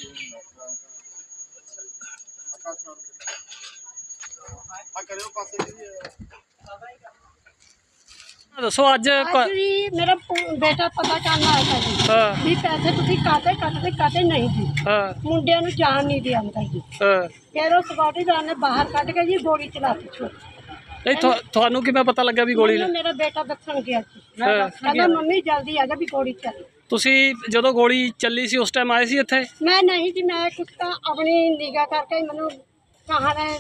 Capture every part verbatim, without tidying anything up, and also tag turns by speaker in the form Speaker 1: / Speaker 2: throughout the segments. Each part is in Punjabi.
Speaker 1: दसो अज
Speaker 2: मेरा बेटा पता करना आया जी भी पैसे तुसी काटे कटते काटे नहीं जी मुंडिया नूं जान नहीं दिया जी फिर उस सिक्योरिटी गार्ड ने बाहर कट के जी गोली चलाती छोड़
Speaker 1: थानू किवें पता लगा भी गोली
Speaker 2: मेरा बेटा दसन गया जी कहना मम्मी जल्दी आ जा भी गोली चली
Speaker 1: तुसी जदों गोली चली सी उस टाइम आए सी इत्थे
Speaker 2: मैं नहीं जी मैं कुछ तो अपनी निगाह करके मैनू कहा ने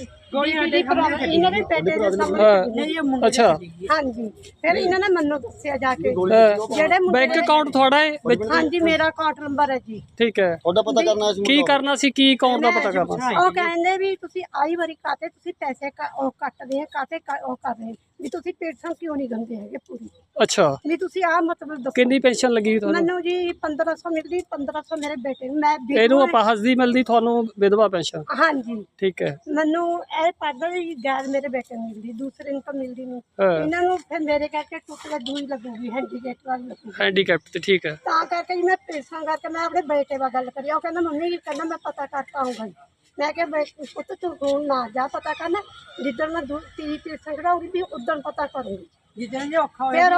Speaker 1: अच्छा
Speaker 2: हाँ जी फिर इन्होंने मैनू दसिया जाके
Speaker 1: बैंक अकाउंट थोड़ा है
Speaker 2: हाँ जी मेरा अकाउंट नंबर है जी
Speaker 1: ठीक है
Speaker 3: पता करना
Speaker 1: की करना सी की अकाउंट का पता करना
Speaker 2: ਉਹ ਕਹਿੰਦੇ ਵੀ ਤੁਸੀਂ ਆਈ ਵਾਰੀ ਕਾਤੇ ਤੁਸੀਂ ਪੈਸੇ ਉਹ ਕੱਟਦੇ ਆ ਕਾਤੇ ਉਹ ਕਰ ਰਹੇ ਵੀ ਤੁਸੀਂ ਪੈਨਸ਼ਨ ਕਿਉਂ ਨਹੀਂ ਦਿੰਦੇ ਹੈਗੇ ਪੂਰੀ
Speaker 1: अच्छा
Speaker 2: ਵੀ ਤੁਸੀਂ ਆ ਮਤਲਬ ਦੱਸੋ
Speaker 1: ਕਿੰਨੀ ਪੈਨਸ਼ਨ ਲੱਗੀ ਤੁਹਾਨੂੰ
Speaker 2: ਮੈਨੂੰ ਜੀ ਪੰਦਰਾਂ ਸੌ ਮਿਲਦੀ ਪੰਦਰਾਂ ਸੌ ਮੇਰੇ ਬੇਟੇ ਨੂੰ ਮੈਂ
Speaker 1: ਇਹਨੂੰ ਆਪਾਸ ਦੀ ਮਿਲਦੀ ਤੁਹਾਨੂੰ ਵਿਧਵਾ ਪੈਨਸ਼ਨ
Speaker 2: ਹਾਂਜੀ
Speaker 1: ਠੀਕ ਹੈ
Speaker 2: ਮੈਨੂੰ ਇਹ ਪੜਦਾ ਜੀ ਗੈਰ ਮੇਰੇ ਬੇਟੇ ਨੂੰ ਮਿਲਦੀ ਦੂਸਰੇ ਨੂੰ ਤਾਂ ਮਿਲਦੀ ਨਹੀਂ ਇਹਨਾਂ ਨੂੰ ਫਿਰ ਮੇਰੇ ਕਰਕੇ ਟੁੱਟ ਕੇ ਦੂਈ ਲੱਗੂਗੀ ਹੈਂਡੀਕੈਪ ਵਾਲੀ ਲੱਗੂਗੀ
Speaker 1: ਹੈਂਡੀਕੈਪ ਤੇ ਠੀਕ ਹੈ
Speaker 2: ਤਾਂ ਕਰਕੇ ਜੀ ਮੈਂ ਪੈਸਾ ਕਰਕੇ ਮੈਂ ਆਪਣੇ ਬੇਟੇ ਨਾਲ ਗੱਲ ਕਰੀ ਉਹ ਕਹਿੰਦਾ ਮੰਮੀ ਜੀ ਕਹਿੰਦਾ ਮੈਂ ਪਤਾ ਕਰਤਾ ਆਉਂਗਾ मैं क्या पुत तू फोन ना जा पता करना जिदन मैं तीन पैसा कढ़ाऊंगी भी उदन पता करूंगी फिर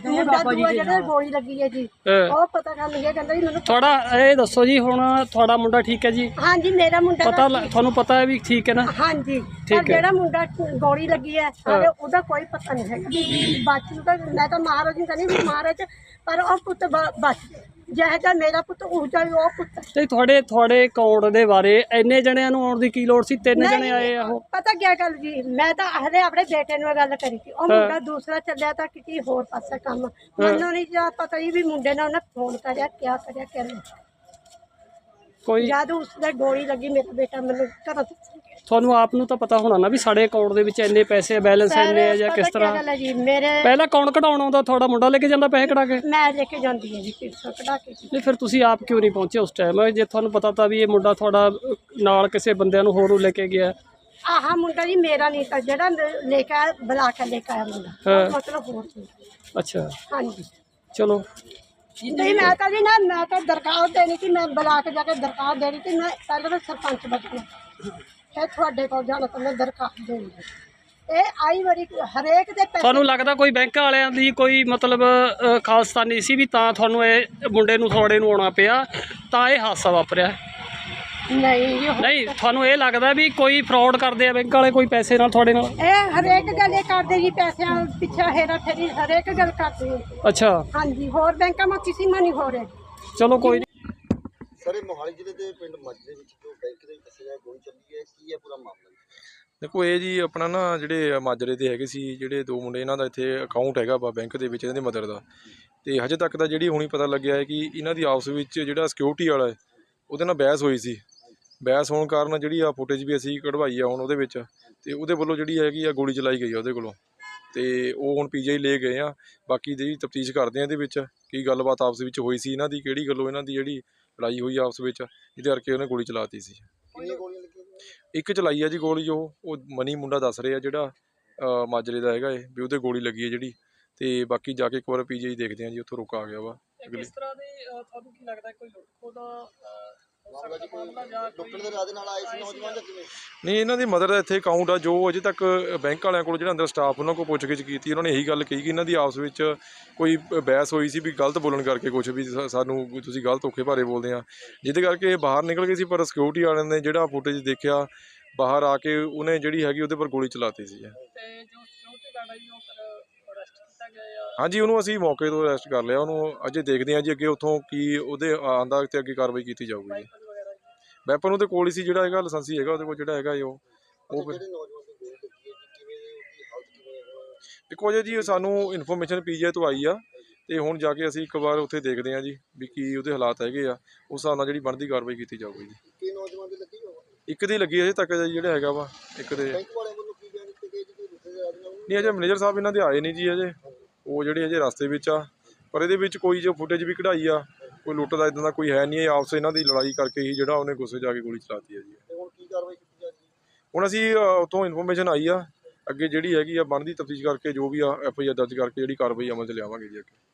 Speaker 2: गोली लगी है जी वो पता कर लिया कहता जी मैंने
Speaker 1: थोड़ा ये दसो जी हुण थोड़ा मुंडा ठीक है जी
Speaker 2: हाँ जी मेरा मुंडा
Speaker 1: पता थानू पता है भी ठीक है ना
Speaker 2: हाँ जी जेड़ा मुंडा गोली लगी है ओदा कोई पता नहीं है बाकी तो मैं तो महाराज नहीं कहनी महाराज पर वो पुत बच जैसा मेरा पुत उजा वो पुत
Speaker 1: ते थोड़े थोड़े अकाउंट दे बारे इन्ने जणियां नूं आउण दी की लोड़ सी तीन जणे आए आ
Speaker 2: पता क्या गल जी मैं तो हले अपने बेटे नाल गल करी थी ओ मुंडा दूसरा चलिया था किसी होर पासे काम मैनूं नहीं जा पता ही भी मुंडे ने उन्हें फोन करया क्या करया क्या
Speaker 1: कोई
Speaker 2: जद उसने गोली लगी मेरा बेटा मैनूं घरों
Speaker 1: ਤੁਹਾਨੂੰ ਆਪ ਨੂੰ ਤਾਂ ਪਤਾ ਹੋਣਾ ਨਾ ਵੀ ਸਾਡੇ ਅਕਾਊਂਟ ਦੇ ਵਿੱਚ ਇੰਨੇ ਪੈਸੇ ਬੈਲੈਂਸ ਇੰਨੇ ਆ ਜਾਂ ਕਿਸ ਤਰ੍ਹਾਂ ਪਹਿਲਾਂ ਕੌਣ ਕਢਾਉਣ ਆਉਂਦਾ ਤੁਹਾਡਾ ਮੁੰਡਾ ਲੈ ਕੇ ਜਾਂਦਾ ਪੈਸੇ ਕਢਾ ਕੇ
Speaker 2: ਮੈਂ ਲੈ ਕੇ ਜਾਂਦੀ ਹਾਂ ਜੀ ਪੈਸੇ ਕਢਾ ਕੇ
Speaker 1: ਨਹੀਂ ਫਿਰ ਤੁਸੀਂ ਆਪ ਕਿਉਂ ਨਹੀਂ ਪਹੁੰਚੇ ਉਸ ਟਾਈਮ ਜੇ ਤੁਹਾਨੂੰ ਪਤਾ ਤਾਂ ਵੀ ਇਹ ਮੁੰਡਾ ਤੁਹਾਡਾ ਨਾਲ ਕਿਸੇ ਬੰਦਿਆਂ ਨੂੰ ਹੋਰ ਨੂੰ ਲੈ ਕੇ ਗਿਆ
Speaker 2: ਆਹ ਮੁੰਡਾ ਜੀ ਮੇਰਾ ਨਹੀਂ ਤਾਂ ਜਿਹੜਾ ਲੈ ਕੇ ਆਇਆ ਬੁਲਾ ਕੇ ਲੈ ਕੇ ਆਇਆ ਮੁੰਡਾ ਮਤਲਬ ਹੋਰ ਸੀ
Speaker 1: ਅੱਛਾ
Speaker 2: ਹਾਂਜੀ
Speaker 1: ਚਲੋ
Speaker 2: नहीं मैं तो जी ना मैं तो दरखास्त देनी थी मैं बुला के जाके दरखास्त देनी थी मैं पहले तो सरपंच बचना फिर थोड़े को जाना तो मैं दरखास्त देनी ਇਹ ਆਈ ਵਾਰੀ ਹਰੇਕ ਦੇ ਪੈਸੇ
Speaker 1: ਤੁਹਾਨੂੰ ਲੱਗਦਾ ਕੋਈ ਬੈਂਕ ਵਾਲਿਆਂ ਦੀ ਕੋਈ ਮਤਲਬ ਖਾਲਸਤਾਨੀ ਸੀ ਵੀ ਤਾਂ ਤੁਹਾਨੂੰ ਇਹ ਮੁੰਡੇ ਨੂੰ ਥੋੜੇ ਨੂੰ ਆਉਣਾ ਪਿਆ ਤਾਂ ਇਹ ਹਾਦਸਾ ਵਾਪਰਿਆ
Speaker 2: ਨਹੀਂ
Speaker 1: ਨਹੀਂ ਤੁਹਾਨੂੰ ਇਹ ਲੱਗਦਾ ਵੀ ਕੋਈ ਫਰਾਡ ਕਰਦੇ ਆ ਬੈਂਕ ਵਾਲੇ ਕੋਈ ਪੈਸੇ ਨਾਲ ਤੁਹਾਡੇ ਨਾਲ
Speaker 2: ਇਹ ਹਰੇਕ ਗੱਲ ਇਹ ਕਰਦੇ ਜੀ ਪੈਸਿਆਂ ਪਿੱਛੇ ਹੇਰਾ ਫੇਰੀ ਹਰੇਕ ਗੱਲ ਕਰਦੇ
Speaker 1: ਅੱਛਾ
Speaker 2: ਹਾਂਜੀ ਹੋਰ ਬੈਂਕਾਂ ਮਾ ਕਿਸੇ ਮਾ ਨਹੀਂ ਹੋ ਰਿਹਾ
Speaker 1: ਚਲੋ ਕੋਈ ਨਹੀਂ
Speaker 3: ਸਰ ਇਹ ਮੋਹਾਲੀ ਜ਼ਿਲ੍ਹੇ ਦੇ ਪਿੰਡ ਮਾਜਰੇ ਵਿੱਚ ਜੋ ਬੈਂਕ ਦੇ ਵਿੱਚ ਦੱਸਿਆ ਗੋਲੀ ਚੱਲੀ ਹੈ ਕੀ ਹੈ ਪੂਰਾ ਮਾਮਲਾ
Speaker 4: देखो ये जी अपना ना ਜਿਹੜੇ ਮਾਜਰੇ ਦੇ ਹੈਗੇ ਸੀ ਜਿਹੜੇ ਦੋ ਮੁੰਡੇ ਇਹਨਾਂ ਦਾ ਇੱਥੇ ਅਕਾਊਂਟ ਹੈਗਾ ਵਾ ਬੈਂਕ ਦੇ ਵਿੱਚ ਇਹਨਾਂ ਦੀ ਮਦਰ ਦਾ ਤੇ ਹਜੇ ਤੱਕ ਦਾ ਜਿਹੜੀ ਹੁਣੀ ਪਤਾ ਲੱਗਿਆ ਹੈ ਕਿ ਇਹਨਾਂ ਦੀ ਆਪਸ ਵਿੱਚ ਜਿਹੜਾ ਸਿਕਿਉਰਿਟੀ ਵਾਲਾ ਹੈ ਉਹਦੇ ਨਾਲ ਬਹਿਸ ਹੋਈ ਸੀ ਬਹਿਸ ਹੋਣ ਕਾਰਨ ਜਿਹੜੀ ਆ ਫੁਟੇਜ ਵੀ ਅਸੀਂ ਕਢਵਾਈ ਆ ਹੁਣ ਉਹਦੇ ਵਿੱਚ ਤੇ ਉਹਦੇ ਵੱਲੋਂ ਜਿਹੜੀ ਹੈਗੀ ਆ ਗੋਲੀ ਚਲਾਈ ਗਈ ਆ ਉਹਦੇ ਕੋਲੋਂ ਤੇ ਉਹ ਹੁਣ ਪੀਜੀਆਈ ਲੈ ਗਏ ਆ ਬਾਕੀ ਜਿਹੜੀ ਤਫਤੀਸ਼ ਕਰਦੇ ਆ ਇਹਦੇ ਵਿੱਚ ਕੀ ਗੱਲਬਾਤ ਆਪਸ ਵਿੱਚ ਹੋਈ ਸੀ ਇਹਨਾਂ ਦੀ ਕਿਹੜੀ ਗੱਲੋਂ ਇਹਨਾਂ ਦੀ ਜਿਹੜੀ ਲੜਾਈ ਹੋਈ ਆਪਸ ਵਿੱਚ ਜਿਹਦੇ ਕਰਕੇ ਉਹਨੇ ਗੋਲੀ ਚਲਾਤੀ ਸੀ ਇੱਕ ਚਲਾਈ ਆ ਜੀ ਗੋਲੀ ਉਹ ਉਹ ਮਨੀ ਮੁੰਡਾ ਦੱਸ ਰਿਹਾ ਜਿਹੜਾ ਮਾਜਰੇ ਦਾ ਹੈਗਾ ਇਹ ਵੀ ਉਹਦੇ ਗੋਲੀ ਲੱਗੀ ਹੈ ਜਿਹੜੀ ਤੇ ਬਾਕੀ ਜਾ ਕੇ ਇੱਕ ਵਾਰ ਪੀਜੀਆਈ ਦੇਖਦੇ ਆ ਜੀ ਉੱਥੋਂ ਰੁਕ ਆ ਗਿਆ ਵਾ
Speaker 1: ਕਿਸ ਤਰ੍ਹਾਂ ਦੇ ਤੁਹਾਨੂੰ ਕੀ ਲੱਗਦਾ ਕੋਈ ਲੁੱਟਖੋ ਦਾ
Speaker 4: ਨਹੀਂ ਇਹਨਾਂ ਦੀ ਮਦਰ ਦਾ ਇੱਥੇ ਅਕਾਊਂਟ ਆ ਜੋ ਅਜੇ ਤੱਕ ਬੈਂਕ ਵਾਲਿਆਂ ਕੋਲ ਜਿਹੜਾ ਅੰਦਰ ਸਟਾਫ ਉਹਨਾਂ ਕੋਲ ਪੁੱਛਗਿੱਛ ਕੀਤੀ ਉਹਨਾਂ ਨੇ ਇਹੀ ਗੱਲ ਕਹੀ ਕਿ ਇਹਨਾਂ ਦੀ ਆਪਸ ਵਿੱਚ ਕੋਈ ਬਹਿਸ ਹੋਈ ਸੀ ਵੀ ਗਲਤ ਬੋਲਣ ਕਰਕੇ ਕੁਛ ਵੀ ਸਾਨੂੰ ਤੁਸੀਂ ਗਲਤ ਔਖੇ ਭਾਰੇ ਬੋਲਦੇ ਆ ਜਿਹਦੇ ਕਰਕੇ ਬਾਹਰ ਨਿਕਲ ਗਏ ਸੀ ਪਰ ਸਿਕਿਉਰਿਟੀ ਵਾਲਿਆਂ ਨੇ ਜਿਹੜਾ ਫੁਟੇਜ ਦੇਖਿਆ ਬਾਹਰ ਆ ਕੇ ਉਹਨੇ ਜਿਹੜੀ ਹੈਗੀ ਉਹਦੇ ਪਰ ਗੋਲੀ ਚਲਾਤੀ ਸੀ ਹਾਂਜੀ ਉਹਨੂੰ ਅਸੀਂ ਮੌਕੇ ਤੋਂ ਅਰੈਸਟ ਕਰ ਲਿਆ ਉਹਨੂੰ ਅਜੇ ਦੇਖਦੇ ਹਾਂ ਜੀ ਅੱਗੇ ਉੱਥੋਂ ਕੀ ਉਹਦੇ ਆਂਦਾ ਤੇ ਅੱਗੇ ਕਾਰਵਾਈ ਕੀਤੀ ਜਾਊਗੀ ਜੀ ਵੈਪਨ ਉਹਦੇ ਕੋਲ ਹੀ ਸੀ ਜਿਹੜਾ ਹੈਗਾ ਲਾਇਸੈਂਸੀ ਹੈਗਾ ਉਹਦੇ ਕੋਲ ਜਿਹੜਾ ਹੈਗਾ ਉਹ ਉਹ ਫਿਰ ਦੇਖੋ ਜੀ ਸਾਨੂੰ ਇਨਫੋਰਮੇਸ਼ਨ ਪੀਜੀਆਈ ਤੋਂ ਆਈ ਆ ਤੇ ਹੁਣ ਜਾ ਕੇ ਅਸੀਂ ਇੱਕ ਵਾਰ ਉੱਥੇ ਦੇਖਦੇ ਹਾਂ ਜੀ ਵੀ ਕੀ ਉਹਦੇ ਹਾਲਾਤ ਹੈਗੇ ਆ ਉਸ ਹਿਸਾਬ ਨਾਲ ਜਿਹੜੀ ਬਣਦੀ ਕਾਰਵਾਈ ਕੀਤੀ ਜਾਊਗੀ ਜੀ ਇੱਕ ਦੀ ਲੱਗੀ ਅਜੇ ਤੱਕ ਜਿਹੜਾ ਹੈਗਾ ਵਾ ਇੱਕ ਦੇ ਨਹੀਂ ਅਜੇ ਮੈਨੇਜਰ ਸਾਹਿਬ ਇਹਨਾਂ ਦੇ ਆਏ ਨਹੀਂ ਜੀ ਅਜੇ ਉਹ ਜਿਹੜੇ ਅਜੇ ਰਸਤੇ ਵਿੱਚ ਆ ਪਰ ਇਹਦੇ ਵਿੱਚ ਕੋਈ ਜੋ ਫੁਟੇਜ ਵੀ ਕਢਾਈ ਆ ਕੋਈ ਲੁੱਟ ਦਾ ਇੱਦਾਂ ਦਾ ਕੋਈ ਹੈ ਨਹੀਂ ਆਪਸ ਇਹਨਾਂ ਦੀ ਲੜਾਈ ਕਰਕੇ ਹੀ ਜਿਹੜਾ ਉਹਨੇ ਗੁੱਸੇ ਜਾ ਕੇ ਗੋਲੀ ਚਲਾਤੀ ਹੈ ਜੀ ਹੁਣ ਅਸੀਂ ਉੱਥੋਂ ਇਨਫੋਰਮੇਸ਼ਨ ਆਈ ਆ ਅੱਗੇ ਜਿਹੜੀ ਹੈਗੀ ਆ ਬਣਦੀ ਤਫਤੀਸ਼ ਕਰਕੇ ਜੋ ਵੀ ਆ ਐਫ ਆਈ ਆਰ ਦਰਜ ਕਰਕੇ ਜਿਹੜੀ ਕਾਰਵਾਈ ਅਮਲ 'ਚ ਲਿਆਵਾਂਗੇ ਜੀ ਅੱਗੇ